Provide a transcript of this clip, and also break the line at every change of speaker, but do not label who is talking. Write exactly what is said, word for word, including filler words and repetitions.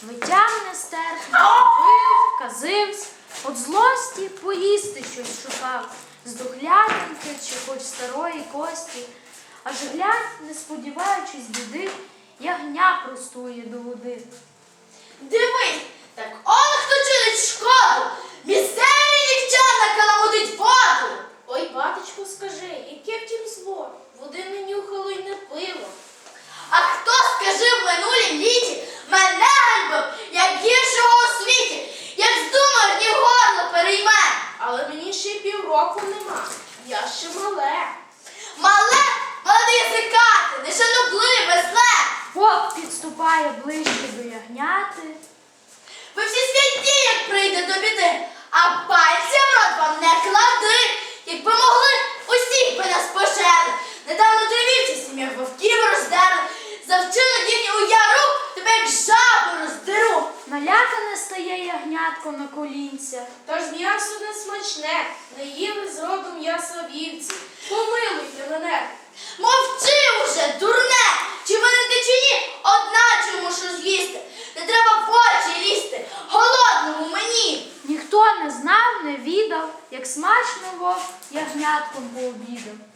Витягне стерхне, пив, казивсь, от злості поїсти щось шукав, з духлятинки чи хоч старої кості. Аж глянь, не сподіваючись біди, ягня простує до води.
Дивись, так он хто чинить шкоду, місцеві нікчемна каламутить воду.
Ой, батечку, скажи, яке в тім зло? Води не нюхало й не пило.
А хто, скажи, в минулім літі мене ганьбив, як гіршого у світі, як здумав, ні горло перейме.
Але мені ще й півроку нема. Я ще мале.
Мале, молоде язикати, нешанобливе, зле.
Вовк підступає ближче до ягняти.
Ви всі святі, як прийде до біди, а пальця в рот вам не клади. Якби могли, усіх би нас пожерли. Недавно тривівці сім'ях вовків роздерли. За вчинок їхній у яру тебе як жабу роздеру.
Налякане стає ягнятко на колінця.
Та ж м'ясо не смачне, не їли зродом м'яса вівці. Помилуйте мене.
Мовчи уже, дурне! Чи винен ти чи ні, одначе мушу з'їсти. Не треба в очі лізти, голодному мені.
Ніхто не знав, не відав, як смачно вовк ягнятком пообідав.